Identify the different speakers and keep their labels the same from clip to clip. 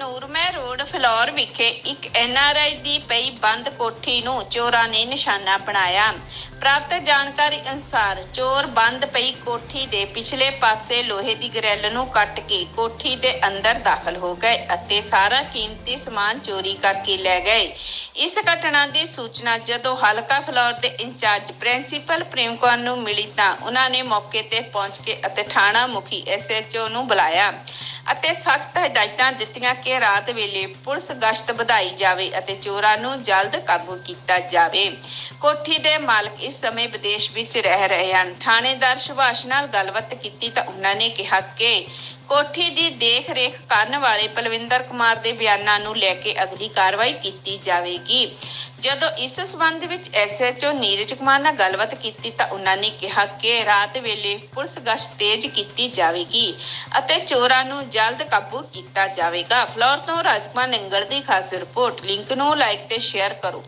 Speaker 1: ਨੂਰਮਹਿ road flour ਵਿਖੇ ਇੱਕ NRI ਦੀ ਪਈ ਬੰਦ ਕੋਠੀ ਨੂੰ ਚੋਰਾਂ ਨੇ ਨਿਸ਼ਾਨਾ ਬਣਾਇਆ। ਪ੍ਰਾਪਤ ਜਾਣਕਾਰੀ ਅਨੁਸਾਰ ਚੋਰ ਬੰਦ ਪਈ ਕੋਠੀ ਦੇ ਪਿਛਲੇ ਪਾਸੇ ਲੋਹੇ ਦੀ ਗ੍ਰਿਲ ਨੂੰ ਕੱਟ ਕੇ ਕੋਠੀ ਦੇ ਅੰਦਰ ਦਾਖਲ ਹੋ ਗਏ ਅਤੇ ਸਾਰਾ ਕੀਮਤੀ ਸਮਾਨ ਚੋਰੀ ਕਰਕੇ ਲੈ ਗਏ। ਇਸ ਘਟਨਾ ਦੀ ਸੂਚਨਾ ਜਦੋਂ ਹਲਕਾ ਫਲੌਰ ਦੇ ਇੰਚਾਰਜ ਪ੍ਰਿੰਸੀਪਲ ਪ੍ਰੇਮ ਕੌਰ ਨੂੰ ਮਿਲੀ ਤਾਂ ਉਹਨਾਂ ਨੇ ਮੌਕੇ ਤੇ ਪਹੁੰਚ ਕੇ ਅਤੇ ਥਾਣਾ ਮੁਖੀ SHO ਨੂੰ ਬੁਲਾਇਆ ਅਤੇ ਸਖਤ ਹਦਾਇਤਾਂ ਦਿੱਤੀਆਂ ਕਿ ਰਾਤ ਵੇਲੇ ਪੁਲਿਸ ਗਸ਼ਤ ਵਧਾਈ ਜਾਵੇ ਅਤੇ ਚੋਰਾਂ ਨੂੰ ਜਲਦ ਕਾਬੂ ਕੀਤਾ ਜਾਵੇ। ਕੋਠੀ ਦੇ ਮਾਲਕ ਇਸ ਸਮੇਂ ਵਿਦੇਸ਼ ਵਿੱਚ ਰਹਿ ਰਹੇ ਹਨ। ਥਾਣੇਦਾਰ ਸੁਭਾਸ਼ ਨਾਲ ਗੱਲਬਾਤ ਕੀਤੀ ਤਾਂ ਉਹਨਾਂ ਨੇ ਕਿਹਾ ਕਿ ਕੋਠੀ ਦੀ ਦੇਖ ਰੇਖ ਕਰਨ ਵਾਲੇ ਪਲਵਿੰਦਰ ਕੁਮਾਰ ਦੇ ਬਿਆਨਾਂ ਨੂੰ ਲੈ ਕੇ ਅਗਲੀ ਕਾਰਵਾਈ ਕੀਤੀ ਜਾਵੇਗੀ। ਜਦੋਂ ਇਸ ਸਬੰਧ ਵਿੱਚ SHO ਨੀਰਜ ਕੁਮਾਰ ਨਾਲ ਗੱਲਬਾਤ ਕੀਤੀ ਤਾਂ ਉਹਨਾਂ ਨੇ ਕਿਹਾ ਕਿ ਰਾਤ ਵੇਲੇ ਪੁਲਿਸ ਗਸ਼ਤ ਤੇਜ਼ ਕੀਤੀ ਜਾਵੇਗੀ ਅਤੇ ਚੋਰਾਂ ਨੂੰ ਜਲਦ ਕਾਬੂ ਕੀਤਾ ਜਾਵੇਗਾ। ਫਲੌਰ ਤੋਂ ਰਾਜਕੁਮਾਰ ਨਿੰਗਲ ਦੀ ਖਾਸ ਰਿਪੋਰਟ। ਲਿੰਕ ਨੂੰ ਲਾਈਕ ਤੇ ਸ਼ੇਅਰ ਕਰੋ।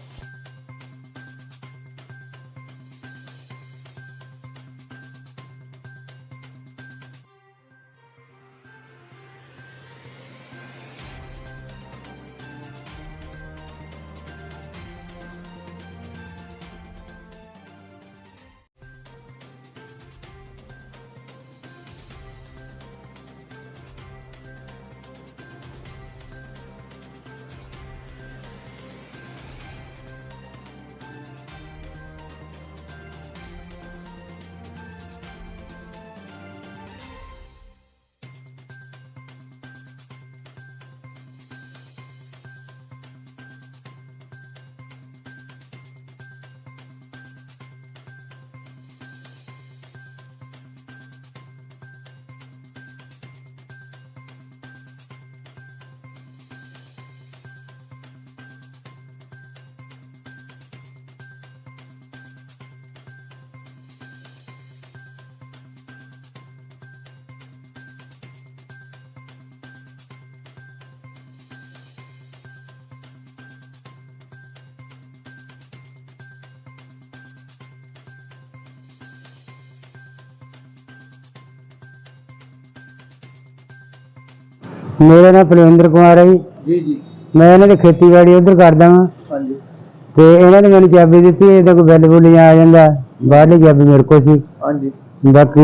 Speaker 2: मेरा नाम पलविंदर कुमार है जी। जी मैं इन्होंने खेतीबाड़ी उधर करदा हाँ। हाँ जी ते इन्होंने मैंने चाबी दी थी। कोई बिल बुल आ जाता बाहरली चाबी मेरे को सी। हाँ जी बाकी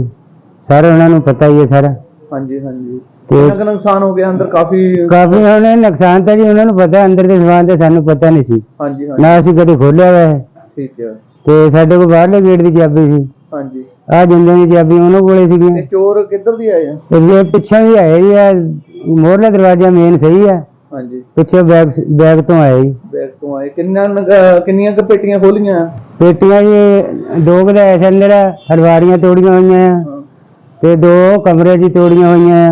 Speaker 2: सारा उन्होंने पता ही है सारा। हाँ जी हाँ जी ते नुकसान हो गया अंदर काफी उन्होंने नुकसान था जी उन्होंने पता अंदर के समान तो सानू पता नहीं सी। हाँ जी ना असीं कदे खोलिया हुआ है। ठीक है ते साडे कोल बाहरले गेट की चाबी सी। हाँ जी आ जिंदे की चाबी उन्होंने कोले सी। चोर किधर दी आए हैं? पिछे भी आए जी मोहरला दरवाजा मेन सही है। हाँ जी पिछे बैग तो आए जी। बैग तो आए किन्नियां पेटियां खोलियां? पेटियां जी दो गैस अंदर हलवारियां तोड़ियां हुई हैं ते दो कमरे जी तोड़ियां हुई हैं।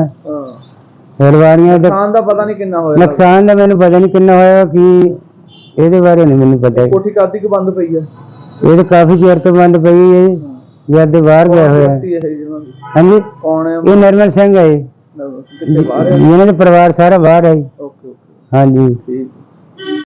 Speaker 2: हलवारियां नुकसान दा पता नहीं कितना होया। नुकसान दा मैनूं पता नहीं कितना होया कि ਇਹਦੇ ਬਾਰੇ ਨਹੀਂ ਮੈਨੂੰ ਪਤਾ। ਕੋਠੀ ਕਾਦੀ ਕਿ ਬੰਦ ਪਈ ਹੈ? ਇਹ ਤਾਂ ਕਾਫੀ ਚਿਰ ਤੋਂ ਬੰਦ ਪਈ ਹੈ ਜਦ ਬਾਹਰ ਗਿਆ ਹੋਇਆ। ਹਾਂਜੀ ਕੌਣ ਹੈ? ਇਹ ਨਰਮਲ ਸਿੰਘ ਹੈ। ਇਹਨਾਂ ਦਾ ਪਰਿਵਾਰ ਸਾਰਾ ਬਾਹਰ ਹੈ। ਓਕੇ ਓਕੇ ਹਾਂਜੀ ਠੀਕ।